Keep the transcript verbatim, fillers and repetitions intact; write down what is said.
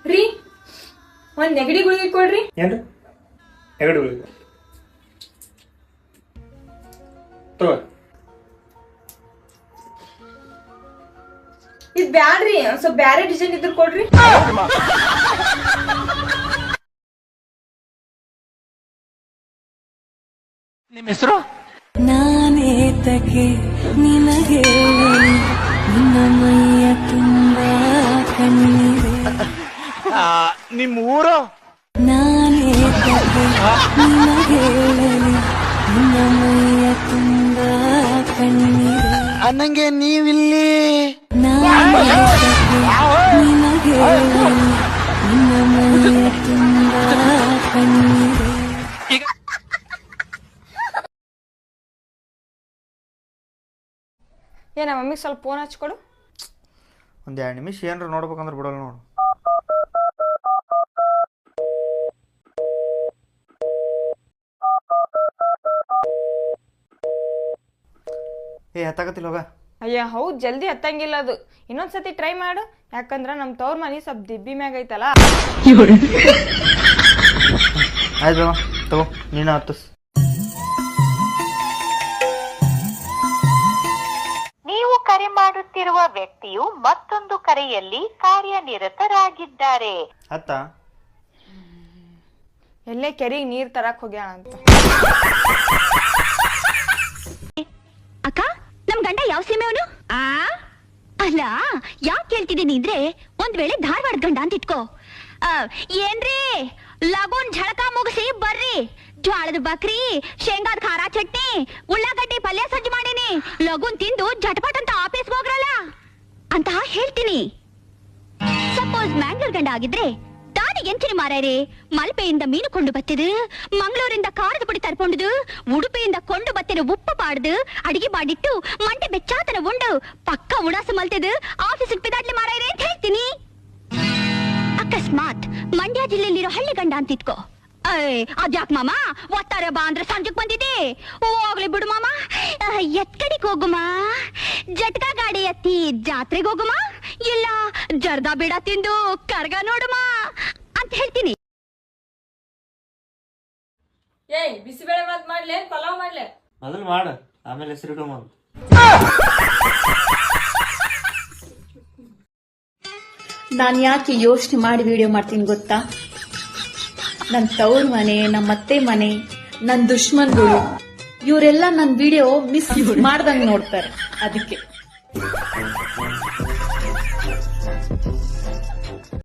ರೀ ಒಂದ್ ನೆಗಡಿ ಗುಳಿಗೆ ಕೊಡ್ರಿ. ಏನ್ರಿ ನೆಗಡಿ ಗುಳಿಗೆ ತಗೋ. ಇದ್ ಬ್ಯಾಡ್ರಿ, ಒಂದ್ ಸ್ವಲ್ಪ ಬ್ಯಾರೆ ಡಿಸೈನ್ ಇದ್ರ ಕೊಡ್ರಿ. ನಿಮ್ಮ ಹೆಸರು? ನಾನೇತಕ್ಕೆ ನಿನಗೆ ನಿನ್ನ ಮೈಯ ತುಂಬ ಕಣ್ಣೀರೆ. ನಿಮ್ಮ ಊರು? ನಾನೇತಕ್ಕೆ ನಿನಗೆ ನಿನ್ನ ಮೈಯ ತುಂಬ ಕಣ್ಣೀರೆ. ಅನ್ನಂಗೆ ನೀವಿಲ್ಲಿ? ನಾನೇತಕ್ಕೆ ನಿನಗೆ ನಿನ್ನ ಮೈಯ ತುಂಬ ಕಣ್ಣೀರೆ. ಏ ನಮ್ಮ ಮಮ್ಮಿಗೆ ಸ್ವಲ್ಪ ಫೋನ್ ಹಚ್ಕೊಡು. ಒಂದು ಎರಡು ನಿಮಿಷ ಏನಾರ ನೋಡ್ಬೇಕಂದ್ರೆ ಬಿಡೋಲ್ಲ ನೋಡು. ಏ ಹತ್ತಾಕತ್ತಿಲ್ಲ ಹೋಗ. ಅಯ್ಯ ಹೌದ್, ಜಲ್ದಿ ಹತ್ತಂಗಿಲ್ಲ ಅದು. ಇನ್ನೊಂದ್ಸತಿ ಟ್ರೈ ಮಾಡು, ಯಾಕಂದ್ರ ನಮ್ ತವ್ರ ಮನಿ ಸ್ವಲ್ಪ ದಿಬ್ಬಿ ಮ್ಯಾಗ ಐತಲ್ಲ. ಆಯ್ತು ತಗೋ, ನೀನು ಹತ್ತಸ್. ನೀವು ಕರೆ ಮಾಡುತ್ತಿರುವ ವ್ಯಕ್ತಿಯು ಮತ್ತೊಂದು ಕರೆಯಲ್ಲಿ ಕಾರ್ಯನಿರತರಾಗಿದ್ದಾರೆ. ಹತ್ತ ಎಲ್ಲೇ ಕೆರೆಗೆ ನೀರ್ ತರಕ್ ಹೋಗ್ಯಾಳ ಅಂತ. ಅಕ್ಕ, ನಮ್ ಗಂಡ ಯಾವ ಸೀಮೆಯವನು? ಆ ಅಲ್ಲ, ಯಾಕೆ ಕೇಳ್ತಿದ್ದೀನಿ ಅಂದ್ರೆ, ಒಂದ್ ವೇಳೆ ಧಾರವಾಡ ಗಂಡ ಅಂತ ಇಟ್ಕೋ. ಏನ್ರಿ ಲಗೋನ್ ಝಳಕ ಮುಗಿಸಿ ಬರ್ರಿ, ಜ್ವಾಳದ ಬಕ್ರಿ, ಶೇಂಗಾದ ಖಾರ ಚಟ್ನಿ, ಉಳ್ಳಾಗಡ್ಡಿ ಪಲ್ಯ ಸಜ್ಜು ಮಾಡೀನಿ, ಲಗೋನ್ ತಿಂದು ಜಟಪಟ್ ಅಂತ ಆಫೀಸ್ ಹೋಗ್ರಲ್ಲ ಅಂತ ಹೇಳ್ತೀನಿ. ಸಪೋಸ್ ಮ್ಯಾಂಗ್ಳೂರ್ ಗಂಡ ಆಗಿದ್ರೆ, ದಾನಿಗೆ ಎಂಚಿನ ಮಾರಾಯ್ರಿ, ಮಲ್ಪೆಯಿಂದ ಮೀನು ಕೊಂಡು ಬತ್ತಿದು, ಮಂಗಳೂರಿಂದ ಖಾರದ ಪುಡಿ ತರ್ಕೊಂಡುದು, ಉಡುಪಿಯಿಂದ ಕೊಂಡು ಬತ್ತಿನ ಉಪ್ಪು ಪಾಡ್ದು, ಅಡಿಗೆ ಮಾಡಿಟ್ಟು ಮಂಡೆ ಬೆಚ್ಚಾತನ ಉಂಡು ಪಕ್ಕ ಉಡಾಸ ಮಲ್ತಿದು ಆಫೀಸಿಗೆ ಪಿದಾಡ್ಲಿ ಮಾರಾಯ್ರಿ ಅಂತ ಹೇಳ್ತೀನಿ. ಅಕಸ್ಮಾತ್ ಮಂಡ್ಯ ಜಿಲ್ಲೆಯಲ್ಲಿರೋ ಹಳ್ಳಿ ಗಂಡ ಅಂತ ಇಟ್ಕೋ. ಅಯ್ ಅದ್ಯಾಕ್ ಮಾಮ ಒತ್ತಾರೆ ಬಾ ಅಂದ್ರೆ ಸಂಜೆಗ್ ಬಂದಿದೆ, ಹೋಗ್ಲಿ ಬಿಡು ಮಾಮ, ಎತ್ ಕಡೆಗೆ ಹೋಗುಮ, ಜಟ್ಕಾ ಗಾಡಿ ಎತ್ತಿ ಜಾತ್ರೆಗೆ ಹೋಗುಮ, ಇಲ್ಲ ಜರ್ದಾ ಬೇಡ ತಿಂದು ಕರ್ಗ ನೋಡುಮ ಅಂತ ಹೇಳ್ತೀನಿ. ಏಯ್ ಬಿಸಿಬೇಳೆ ಮಾತ್ ಮಾಡ್ಲೆ, ಪಲಾವ್ ಮಾಡ್ಲೆ? ಮೊದಲು ಮಾಡು, ಆಮೇಲೆ ಹೆಸರಿಡು ಮಾಡು. ನಾನು ಯಾಕೆ ಯೋಚನೆ ಮಾಡಿ ವಿಡಿಯೋ ಮಾಡ್ತೀನಿ ಗೊತ್ತಾ? ನನ್ನ ತವ್ರ ಮನೆ, ನಮ್ಮ ಅತ್ತೆ ಮನೆ, ನನ್ನ ದುಶ್ಮನ್ಗಳು ಇವರೆಲ್ಲ ನನ್ನ ವಿಡಿಯೋ ಮಿಸ್ ಮಾಡ್ದಂಗ್ ನೋಡ್ತಾರೆ, ಅದಕ್ಕೆ.